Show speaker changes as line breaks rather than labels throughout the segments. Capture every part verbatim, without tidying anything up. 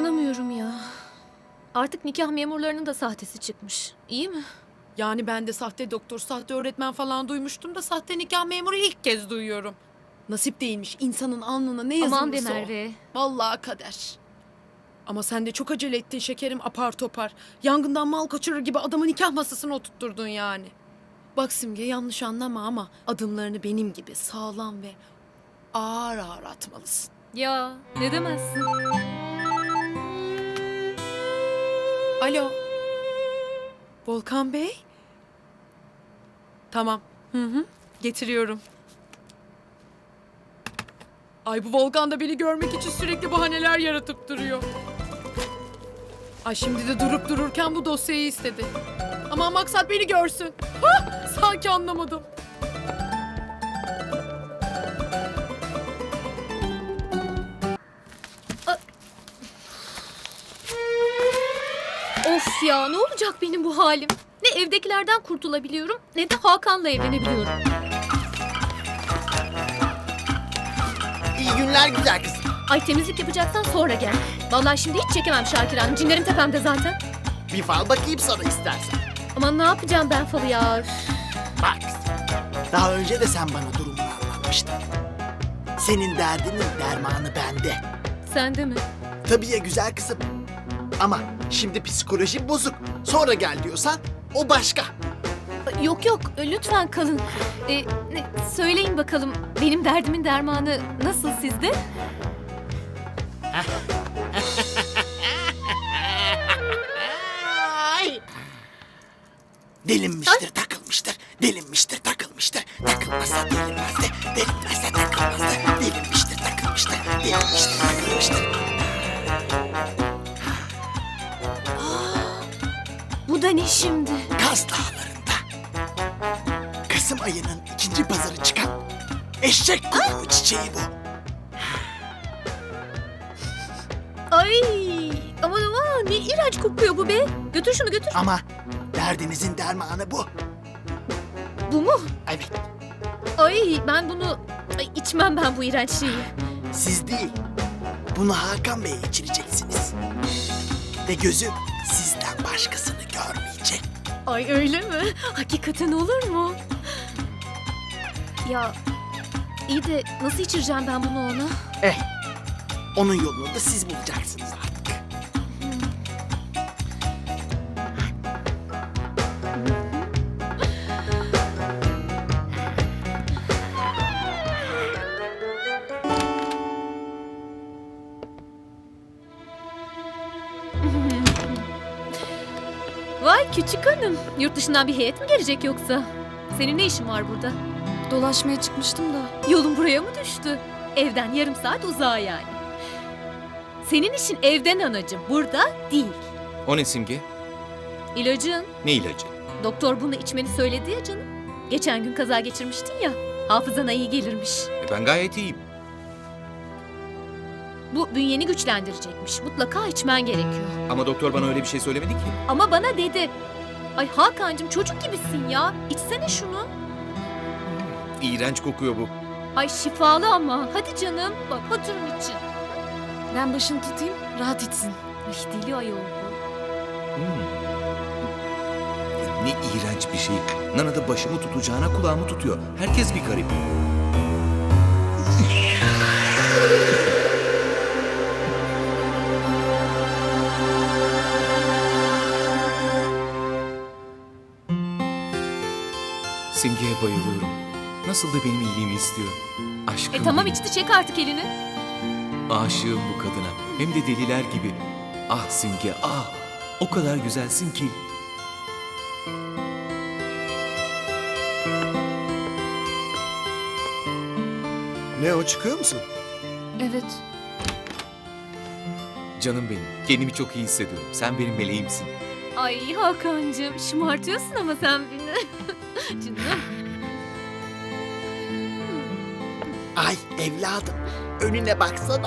İnanamıyorum ya. Artık nikah memurlarının da sahtesi çıkmış. İyi mi?
Yani ben de sahte doktor, sahte öğretmen falan duymuştum da sahte nikah memuru ilk kez duyuyorum. Nasip değilmiş insanın alnına ne yazılırsa
Aman be
o.
Merve.
Vallahi kader. Ama sen de çok acele ettin şekerim, apar topar. Yangından mal kaçırır gibi adamı nikah masasına oturtturdun yani. Bak Simge, yanlış anlama ama adımlarını benim gibi sağlam ve ağır ağır atmalısın.
Ya ne demezsin?
Alo. Volkan Bey? Tamam. Hı hı. Getiriyorum. Ay, bu Volkan da beni görmek için sürekli bahaneler yaratıp duruyor. Ay, şimdi de durup dururken bu dosyayı istedi. Ama maksat beni görsün. Hah, sanki anlamadım.
Of ya, ne olacak benim bu halim? Ne evdekilerden kurtulabiliyorum ne de Hakan'la evlenebiliyorum.
İyi günler güzel kız.
Ay, temizlik yapacaksan sonra gel. Vallahi şimdi hiç çekemem Şakir Hanım. Cinlerim tepemde zaten.
Bir fal bakayım sana istersen.
Aman ne yapacağım ben falı ya? Üf.
Bak daha önce de sen bana durumunu anlatmıştın. Senin derdinin dermanı bende.
Sen de mi?
Tabii ya güzel kızım. Ama şimdi psikolojim bozuk. Sonra gel diyorsan o başka.
Yok yok, lütfen kalın. Ee, ne- söyleyin bakalım, benim derdimin dermanı nasıl sizde?
Ay. Delinmiştir, takılmıştır. Delinmiştir, takılmıştır. Takılmazsa delinmezdi. Delinmezse takılmazdı. Delinmiştir, takılmıştır. Delinmiştir, takılmıştır.
Bu da ne şimdi?
Kaz Dağları'nda Kasım ayının ikinci pazarı çıkan eşek kulağı çiçeği bu.
Ay, aman aman, ne iğrenç kokuyor bu be. Götür şunu, götür.
Ama derdinizin dermanı bu.
Bu mu?
Evet,
Ay, ben bunu... Ay, içmem ben bu iğrenç şeyi.
siz değil. Bunu Hakan Bey'e içireceksiniz. Ve gözü sizden başkasını görmeyecek.
Ay, öyle mi? Hakikaten olur mu? Ya, iyi de nasıl içireceğim ben bunu ona?
Eh, onun yolunu da siz bulacaksınız artık.
Vay küçük hanım. Yurt dışından bir heyet mi gelecek yoksa? Senin ne işin var burada?
Dolaşmaya çıkmıştım da.
Yolun buraya mı düştü? Evden yarım saat uzağa yani. Senin işin evden anacığım, burada değil.
O ne Simge?
İlacın.
Ne ilacı?
Doktor bunu içmeni söyledi ya canım. Geçen gün kaza geçirmiştin ya. Hafızana iyi gelirmiş.
E ben gayet iyiyim.
Bu bünyeni güçlendirecekmiş. Mutlaka içmen gerekiyor.
Ama doktor bana öyle bir şey söylemedi ki.
Ama bana dedi. Ay Hakan'cığım, çocuk gibisin ya. İçsene şunu.
İğrenç kokuyor bu.
Ay şifalı ama. Hadi canım. Bak hatırım için.
Ben başını tutayım, rahat içsin.
Ay deli ayol bu.
Hmm. Ne iğrenç bir şey. Nana da başımı tutacağına kulağımı tutuyor. Herkes bir garip. Simge'ye bayılıyorum. Nasıl da benim iyiliğimi istiyor. Aşkım
E tamam
benim.
içti, çek artık elini.
Aşığım bu kadına. Hem de deliler gibi. Ah Simge ah. O kadar güzelsin ki.
Ne o, çıkıyor musun?
Evet.
Canım benim. Kendimi çok iyi hissediyorum. Sen benim meleğimsin.
Ay Hakan'cığım, şımartıyorsun ama sen beni. Canım.
Ay evladım, önüne baksana.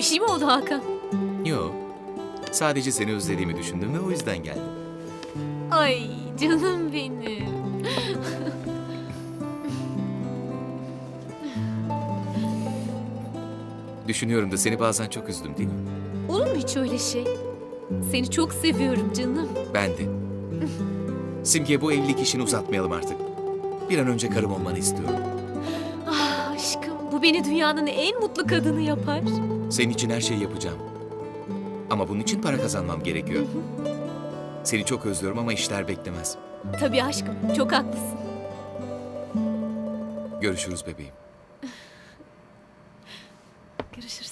şey mi oldu Hakan?
Yo. Sadece seni özlediğimi düşündüm ve o yüzden geldim.
Ay canım benim.
Düşünüyorum da seni bazen çok üzdüm değil mi?
Olur mu hiç öyle şey? Seni çok seviyorum canım.
Ben de. Simge, bu evlilik işini uzatmayalım artık. Bir an önce karım olmanı istiyorum.
Ah aşkım, bu beni dünyanın en mutlu kadını yapar.
Senin için her şeyi yapacağım. Ama bunun için para kazanmam gerekiyor. Seni çok özlüyorum ama işler beklemez.
Tabii aşkım, çok haklısın.
Görüşürüz bebeğim.
Görüşürüz.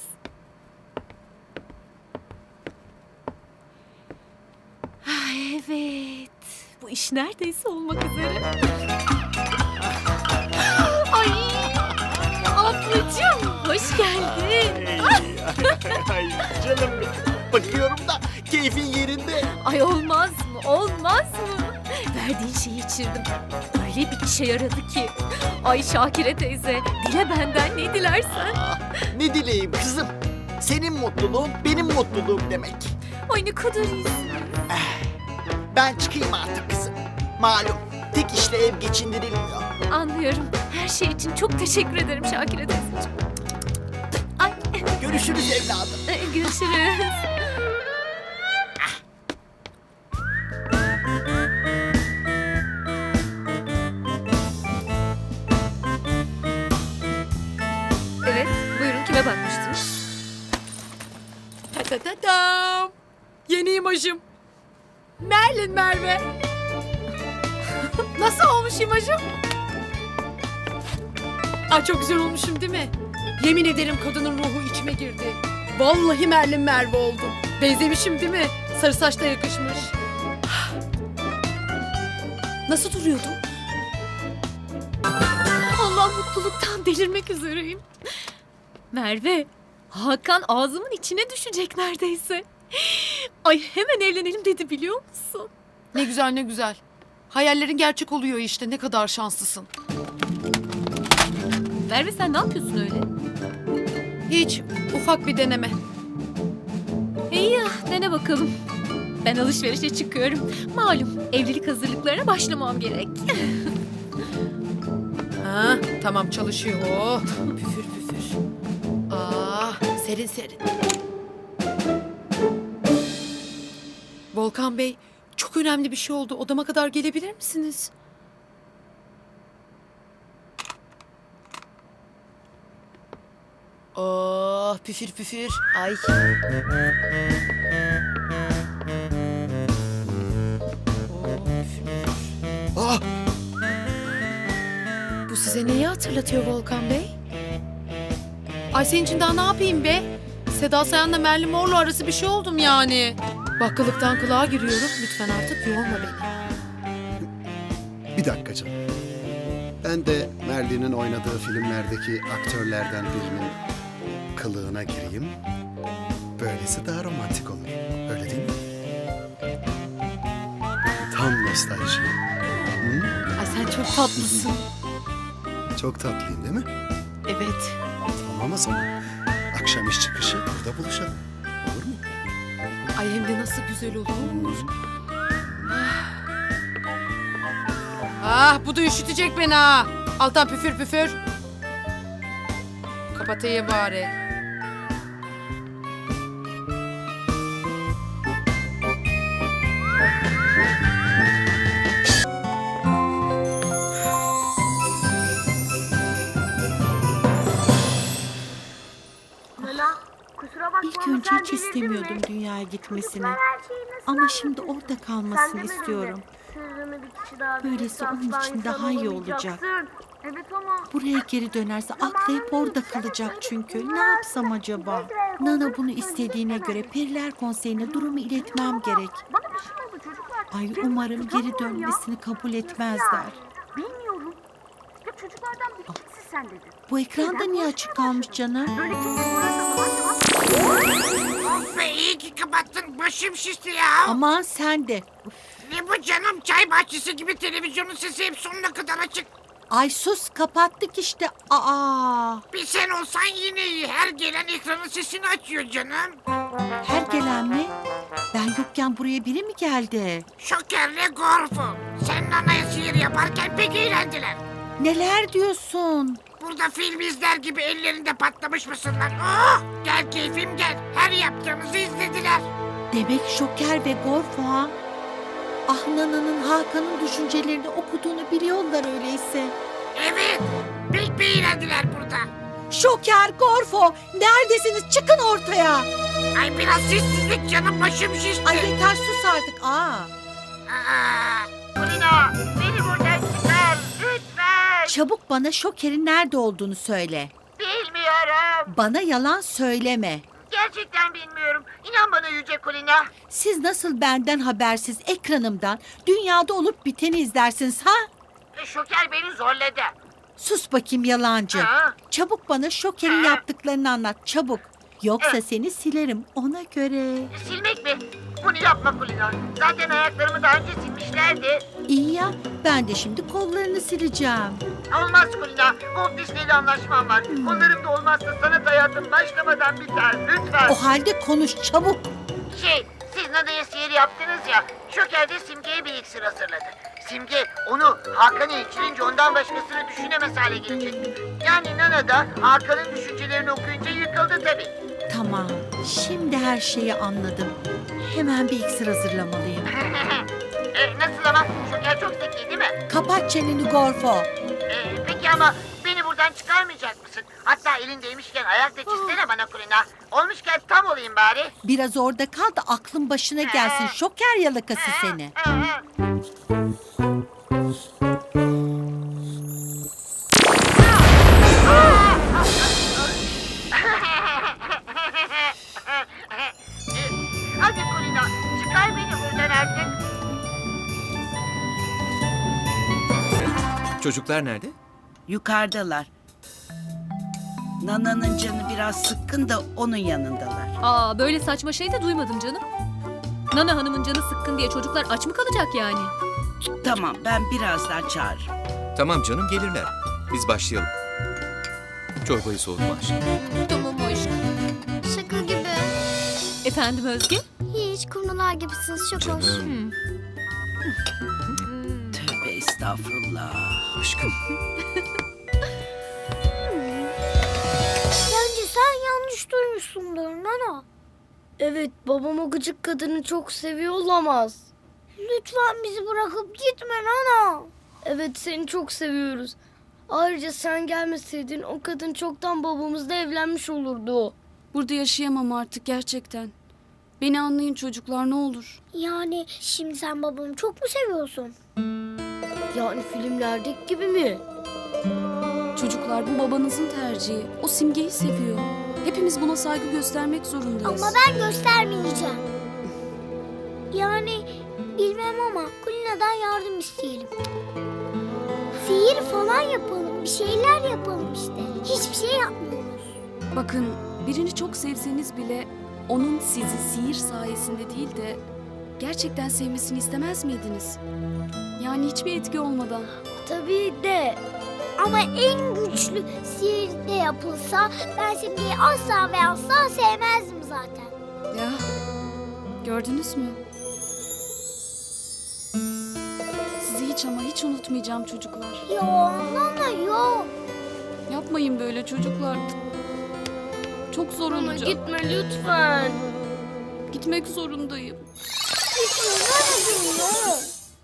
Ay, evet. Bu iş neredeyse olmak üzere. Ay, ablacığım hoş geldin.
Ay canım benim. Bakıyorum da keyfin yerinde.
Ay olmaz mı? Olmaz mı? Verdiğin şeyi içirdim. Öyle bir işe yaradı ki. Ay Şakire teyze, dile benden ne dilersen.
Ah, ne dileyim kızım. Senin mutluluğun benim mutluluğum demek.
Ay ne kadar iyisin.
Ben çıkayım artık kızım. Malum tek işle ev geçindirilmiyor.
Anlıyorum. Her şey için çok teşekkür ederim Şakire teyzeciğim. Ay,
Görüşürüz evladım.
e, görüşürüz. Evet, buyurun kime bakmıştınız?
Ta ta ta tam. Yeni imajım. Merlin Merve. Nasıl olmuş imajım? Ay çok güzel olmuşum değil mi? Yemin ederim kadının ruhu içime girdi. Vallahi Merlin Merve oldum. Benzemişim değil mi? Sarı saç da yakışmış. Nasıl duruyordum?
Allah mutluluktan delirmek üzereyim. Merve, Hakan ağzımın içine düşecek neredeyse. Ay hemen evlenelim dedi biliyor musun?
Ne güzel ne güzel. Hayallerin gerçek oluyor işte. Ne kadar şanslısın.
Merve sen ne yapıyorsun öyle?
Hiç. Ufak bir deneme.
İyi ya dene bakalım. Ben alışverişe çıkıyorum. Malum evlilik hazırlıklarına başlamam gerek.
Ha, tamam çalışıyor. Oh, püfür püfür. Aa, serin serin. Volkan Bey, çok önemli bir şey oldu. Odama kadar gelebilir misiniz? Oh, püfür püfür. Ay. Oh, püfür püfür.
Ah!
Bu size neyi hatırlatıyor Volkan Bey? Ay senin için daha ne yapayım be? Seda Sayan'la Merlin Mor'la arası bir şey oldum yani. Bakkalıktan kulağa giriyorum. Lütfen artık yorma beni.
Bir dakika canım. Ben de Merlin'in oynadığı filmlerdeki aktörlerden birinin kılığına gireyim. Böylesi daha romantik olur. Öyle değil mi? Tam nostalji. Hı?
Ay sen çok tatlısın.
Çok tatlıyım değil mi?
Evet.
Tamam o zaman. Akşam iş çıkışı burada buluşalım. Olur mu?
Ay hem de nasıl güzel olur. Ah bu da üşütecek beni ha. Altan püfür püfür. Kapatayım bari.
İlk önce hiç istemiyordum dünyaya gitmesini. Ama şimdi orada kalmasını istiyorum. Böylesi onun için daha iyi olacak.
Evet ama
Buraya geri dönerse aklı hep orada kalacak çünkü. Ne yapsam acaba? Nana bunu istediğine göre Periler Konseyi'ne durumu iletmem gerek.
bana bir şey oldu çocuklar.
Ay
Benim
umarım
kızım
geri
var ya.
dönmesini kabul etmezler.
Ya, bilmiyorum. Ya çocuklardan bir kimsin sen dedi.
Bu ekranda niye açık kalmış canım?
Böyle kimse burada zaman zaman.
Of be iyi ki kapattın. Başım şişti ya.
Aman sen de.
Ne bu canım? Çay bahçesi gibi televizyonun sesi hep sonuna kadar açık.
Ay sus kapattık işte. Aa,
Bir sen olsan yine iyi. Her gelen ekranın sesini açıyor canım.
her gelen mi? Ben yokken buraya biri mi geldi?
Şokerle Gorfo. Sen Nana'ya sihir yaparken pek eğlendiler.
Neler diyorsun?
Burada film izler gibi ellerinde patlamış mısınlar? Oh! Gel keyfim gel. Her yaptığımızı izlediler.
Demek Şoker ve Gorfo ha? Ah Nana'nın Hakan'ın düşüncelerini okuduğunu biliyorlar öyleyse.
Evet. Pek bir eğlendiler burada.
Şoker, Gorfo neredesiniz? Çıkın ortaya.
Ay biraz sessizlik canım, başım şişti.
Ay yeter sus artık. Aa.
Aa, Kulina beni buradan çıkar lütfen.
Çabuk bana Şoker'in nerede olduğunu söyle.
Bilmiyorum.
Bana yalan söyleme.
Gerçekten bilmiyorum. İnan bana Yüce Kulina.
Siz nasıl benden habersiz ekranımdan dünyada olup biteni izlersiniz ha?
Şoker beni zorladı.
Sus bakayım yalancı.
Ha?
Çabuk bana Şoker'in
Ha?
yaptıklarını anlat çabuk. Yoksa seni silerim ona göre.
Silmek mi? Bunu yapma Kulina. Zaten ayaklarımı daha önce silmişlerdi.
İyi ya ben de şimdi kollarını sileceğim.
Olmaz Kulina. Walt Disney'le anlaşmam var. Onların da olmazsa sanat hayatım başlamadan biter. Lütfen.
O halde konuş çabuk.
Şey, siz Nana'ya sihir yaptınız ya. Şoker de Simge'ye bir iksir hazırladı. Simge onu Hakan'a içirince ondan başkasını düşünemez hale gelecek. Yani Nana da Hakan'ın düşüncelerini okuyunca yıkıldı tabii.
Tamam şimdi her şeyi anladım. Hemen bir iksir hazırlamalıyım.
e, nasıl ama? Şoker çok zeki değil mi?
Kapat çeneni Gorfo.
E, peki ama beni buradan çıkarmayacak mısın? Hatta elindeymişken ayakta çizsene bana Kulina. Olmuşken tam olayım bari.
Biraz orada kal da aklın başına gelsin. Şoker yalakası seni.
Hadi Kulina, çıkar beni buradan artık.
Çocuklar nerede?
Yukarıdalar. Nana'nın canı biraz sıkkın da onun yanındalar.
Aa böyle saçma şey de duymadım canım. Nana Hanım'ın canı sıkkın diye çocuklar aç mı kalacak yani?
Tamam, ben birazdan çağırırım.
Tamam canım gelirler. Biz başlayalım. Çorbayı soğutma aşkım.
Tamam aşkım.
Şaka gibi.
Efendim Özge?
Hiç kumrular gibisiniz, çok hoş.
Canım
Tövbe estağfurullah.
aşkım.
Bence sen yanlış duymuşsundur Nana.
Evet, babam o gıcık kadını çok seviyor olamaz.
Lütfen bizi bırakıp gitme Nana.
Evet, seni çok seviyoruz. Ayrıca sen gelmeseydin o kadın çoktan babamızla evlenmiş olurdu.
Burada yaşayamam artık gerçekten. Beni anlayın çocuklar ne olur.
Yani şimdi sen babamı çok mu seviyorsun?
Yani filmlerdeki gibi mi?
Çocuklar bu babanızın tercihi. O Simge'yi seviyor. Hepimiz buna saygı göstermek zorundayız.
Ama ben göstermeyeceğim. Yani bilmem ama Kulina'dan yardım isteyelim. Sihir falan yapalım, bir şeyler yapalım işte. Hiçbir şey yapmıyoruz.
Bakın birini çok sevseniz bile onun sizi sihir sayesinde değil de gerçekten sevmesini istemez miydiniz? Yani hiçbir etki olmadan.
Tabii de.
Ama en güçlü sihir de yapılsa ben Simge'yi asla ve asla sevmezdim zaten.
Ya gördünüz mü? Sizi hiç ama hiç unutmayacağım çocuklar.
Yo, Nana yok.
Yapmayın böyle çocuklar. Çok zor
Ama
olacak.
gitme lütfen.
Gitmek zorundayım.
Gitme Nana'cığım yok.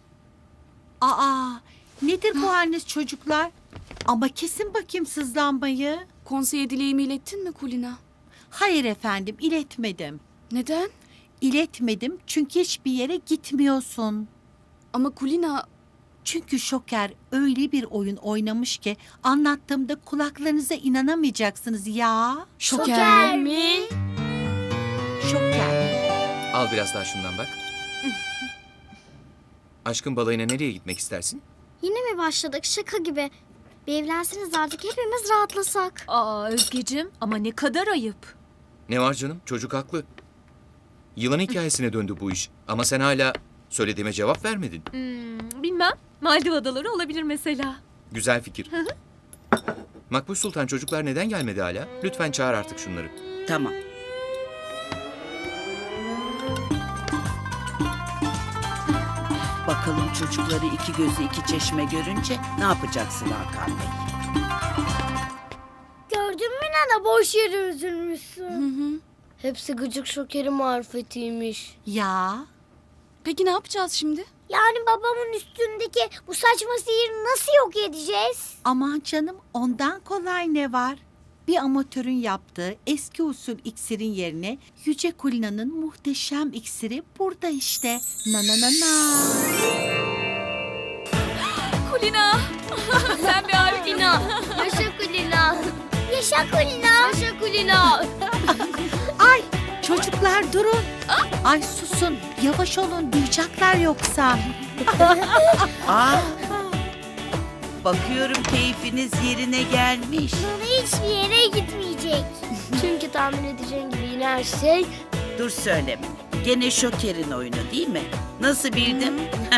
Aa nedir bu haliniz çocuklar? Ama kesin bakayım sızlanmayı.
Konseye dileğimi ilettin mi Kulina?
Hayır efendim iletmedim.
Neden?
İletmedim çünkü hiçbir yere gitmiyorsun.
Ama Kulina
Çünkü Şoker öyle bir oyun oynamış ki anlattığımda kulaklarınıza inanamayacaksınız ya.
Şoker,
mi?
Şoker.
Al biraz daha şundan bak. Aşkın balayına nereye gitmek istersin?
Yine mi başladık şaka gibi? Bir evlenseniz artık hepimiz rahatlasak.
Aa Özgeciğim ama ne kadar ayıp.
Ne var canım? Çocuk haklı. Yılan hikayesine döndü bu iş. Ama sen hala söylediğime cevap vermedin.
Hmm, bilmem. Maldiv adaları olabilir mesela.
Güzel fikir. Makbuş Sultan, çocuklar neden gelmedi hala? Lütfen çağır artık şunları.
Tamam. Bakalım çocukları iki gözü iki çeşme görünce ne yapacaksın Hakan Bey?
Gördün mü Nana, boş yere üzülmüşsün. Hepsi gıcık şokerin marifetiymiş.
Ya
Peki ne yapacağız şimdi?
Yani babamın üstündeki bu saçma sihiri nasıl yok edeceğiz?
aman canım, ondan kolay ne var? Bir amatörün yaptığı eski usul iksirin yerine Yüce Kulina'nın muhteşem iksiri burada işte. Na na na na.
Kulina. Sen bir harika.
Kulina. Yaşa Kulina.
Yaşa Kulina.
Yaşa Kulina.
Ay çocuklar durun. Ay susun, yavaş olun, duyacaklar yoksa.
Aa, bakıyorum keyfiniz yerine gelmiş.
Nana hiçbir yere gitmeyecek.
Çünkü tahmin edeceğin gibi yine her şey...
Dur söyleme. Gene şokerin oyunu değil mi? Nasıl bildim?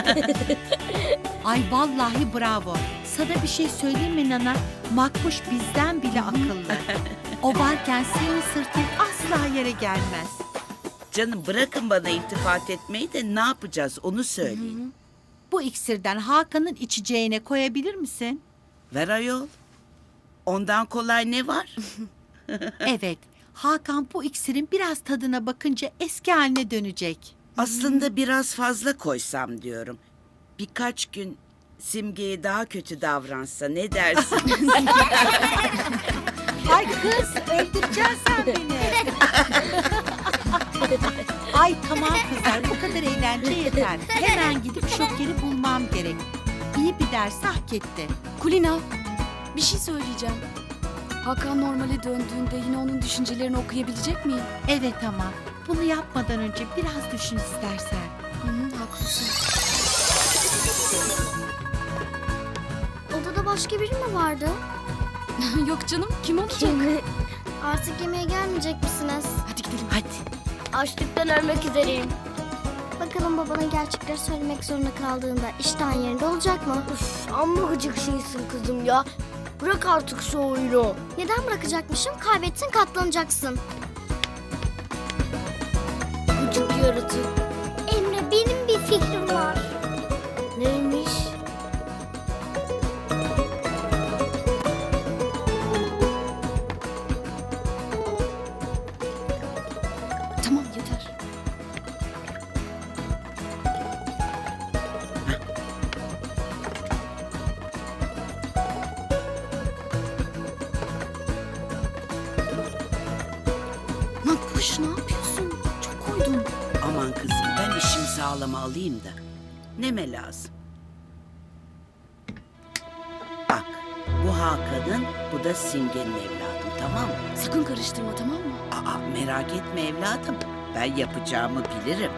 Ay vallahi bravo. Sana bir şey söyleyeyim mi Nana? Makbuş bizden bile akıllı. O varken senin sırtın asla yere gelmez.
Canım bırakın bana iltifat etmeyi de ne yapacağız onu söyleyin.
Bu iksirden Hakan'ın içeceğine koyabilir misin?
Ver ayol. Ondan kolay ne var?
Evet. Hakan bu iksirin biraz tadına bakınca eski haline dönecek.
Aslında biraz fazla koysam diyorum. Birkaç gün Simge'ye daha kötü davransa ne dersin?
Ay kız, öldüreceksin sen beni. Ay tamam kızlar, bu kadar eğlence yeter. Hemen gidip şokeri bulmam gerek. İyi bir ders hak etti.
Kulina, bir şey söyleyeceğim. Hakan normale döndüğünde yine onun düşüncelerini okuyabilecek miyim?
Evet ama bunu yapmadan önce biraz düşün istersen.
Hı hı, haklısın.
Odada başka biri mi vardı?
Yok canım, kim olacak?
Artık yemeğe gelmeyecek misiniz?
Hadi gidelim.
Hadi.
Açlıktan ölmek üzereyim.
Bakalım babana gerçekleri söylemek zorunda kaldığında iştahın yerinde olacak mı?
Üf, amma gıcık şeysin kızım ya. Bırak artık şu oyunu.
Neden bırakacakmışım? Kaybettin, katlanacaksın.
Gıcık yaratık.
Emre, benim bir fikrim var.
Neymiş?
Tamam, yeter. Makbuş, ne yapıyorsun? Çok koydun.
Aman kızım ben işimi sağlama alayım da. Neme lazım? Bak bu Hakan'ın bu da Simge'nin evladım tamam mı?
Sakın karıştırma, tamam mı?
Aa merak etme evladım. Ben yapacağımı bilirim.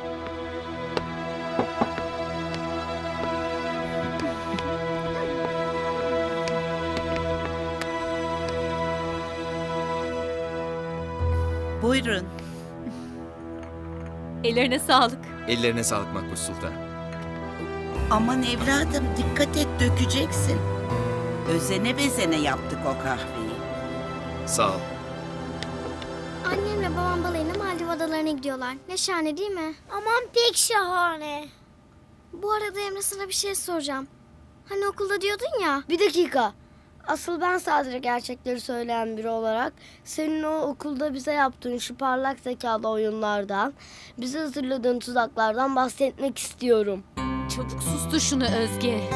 Buyurun.
Ellerine sağlık.
Ellerine sağlık Makbuş Sultan.
Aman evladım dikkat et dökeceksin. Özene bezene yaptık o kahveyi.
Sağ ol.
Annemle babam balayına Maldiv adalarına gidiyorlar. Ne şahane değil mi? Aman pek şahane. Bu arada Emre, sana bir şey soracağım. Hani okulda diyordun ya.
Bir dakika. Asıl ben sadece gerçekleri söyleyen biri olarak senin o okulda bize yaptığın şu parlak zekalı oyunlardan, bize hazırladığın tuzaklardan bahsetmek istiyorum.
Çabuk sustur şunu Özge.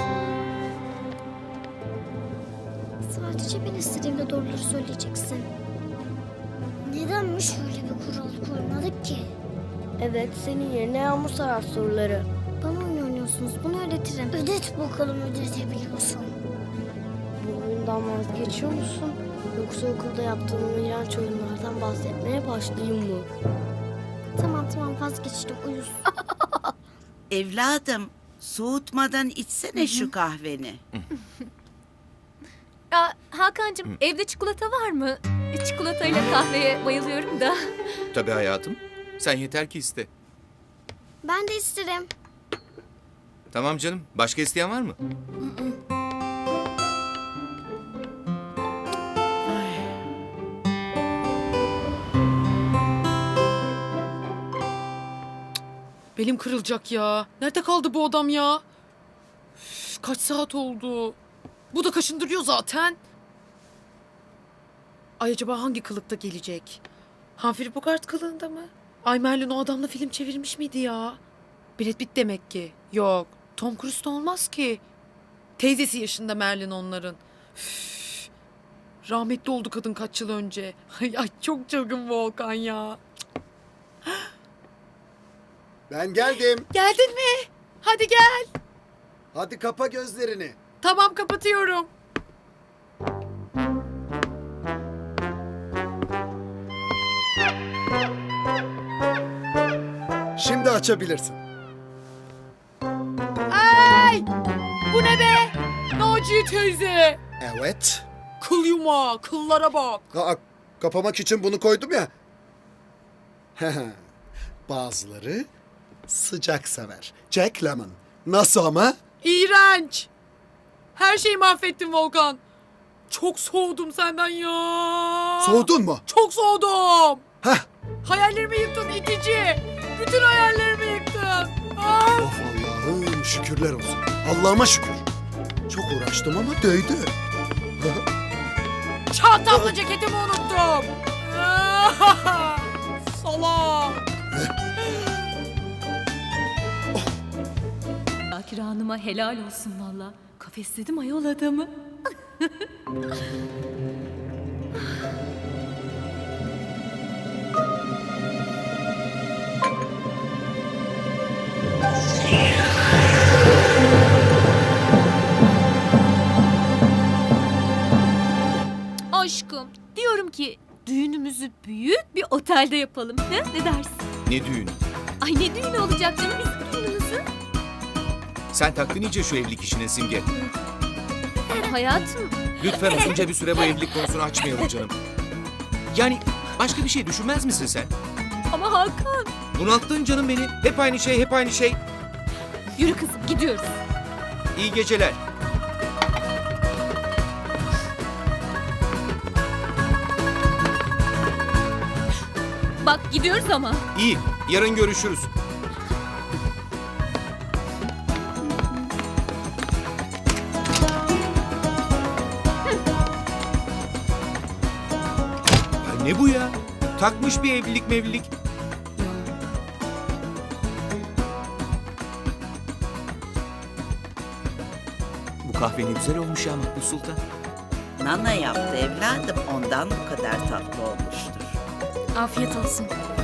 Sadece ben istediğimde doğruları söyleyeceksin. Nedenmiş öyle bir kural koymadık ki?
Evet, senin yerine Yağmur sarar soruları.
Bana oyun oynuyorsunuz, bunu öğretirim. Ödet bakalım, ödetebiliyorsun.
Bu oyundan vazgeçiyor musun? Yoksa okulda yaptığın o iğrenç oyunlardan bahsetmeye başlayayım mı?
Tamam tamam, vazgeçtim, uyuz.
Evladım soğutmadan içsene şu kahveni.
Ya Hakan'cığım, evde çikolata var mı? Çikolatayla kahveye bayılıyorum da.
Tabii hayatım. Sen yeter ki iste.
Ben de isterim.
Tamam canım. Başka isteyen var mı?
Belim kırılacak ya. Nerede kaldı bu adam ya? Üf, kaç saat oldu? Bu da kaşındırıyor zaten. Ay acaba hangi kılıkta gelecek? Humphrey Bogart kılığında mı? Ay Merlin o adamla film çevirmiş miydi ya? Brad Pitt demek ki. Yok. Tom Cruise da olmaz ki. Teyzesi yaşında Merlin onların. Üf, rahmetli oldu kadın kaç yıl önce. Ay, ay çok çılgın Volkan ya.
Ben geldim.
Geldin mi? Hadi gel.
Hadi kapa gözlerini.
Tamam kapatıyorum.
Şimdi açabilirsin.
Ay! Bu ne be? Naciye teyze.
Evet.
Kıl yumağı, kıllara bak.
Aa, kapamak için bunu koydum ya. Bazıları sıcak sever. Jack Lemmon. Nasıl ama?
İğrenç. Her şeyi mahvettin Volkan. Çok soğudum senden ya.
Soğudun mu?
Çok soğudum.
Heh.
Hayallerimi yıktın itici. Bütün hayallerimi yıktın. Ah!
Of Allah'ım şükürler olsun. Allah'ıma şükür. Çok uğraştım ama değdi.
Çantamla ceketimi unuttum. Ah! Salak.
Akira Hanım'a helal olsun valla. Kafesledim ayol adamı. Aşkım, diyorum ki düğünümüzü büyük bir otelde yapalım. He? Ne dersin?
Ne düğün?
Ay ne düğünü olacak canım bizim düğünümüzü?
Sen taktın iyice şu evlilik işine Simge.
Hayatım,
Lütfen uzunca bir süre bu evlilik konusunu açmayalım canım. Yani başka bir şey düşünmez misin sen?
ama Hakan.
Bunalttın canım beni. Hep aynı şey, hep aynı şey.
Yürü kızım, gidiyoruz.
İyi geceler.
Bak gidiyoruz ama.
İyi, yarın görüşürüz. Ya ne bu ya? Takmış bir evlilik mevlilik. Bu kahve ne güzel olmuş ya Makbul Sultan.
Nana yaptı evladım, ondan bu kadar tatlı olmuştur.
Afiyet olsun.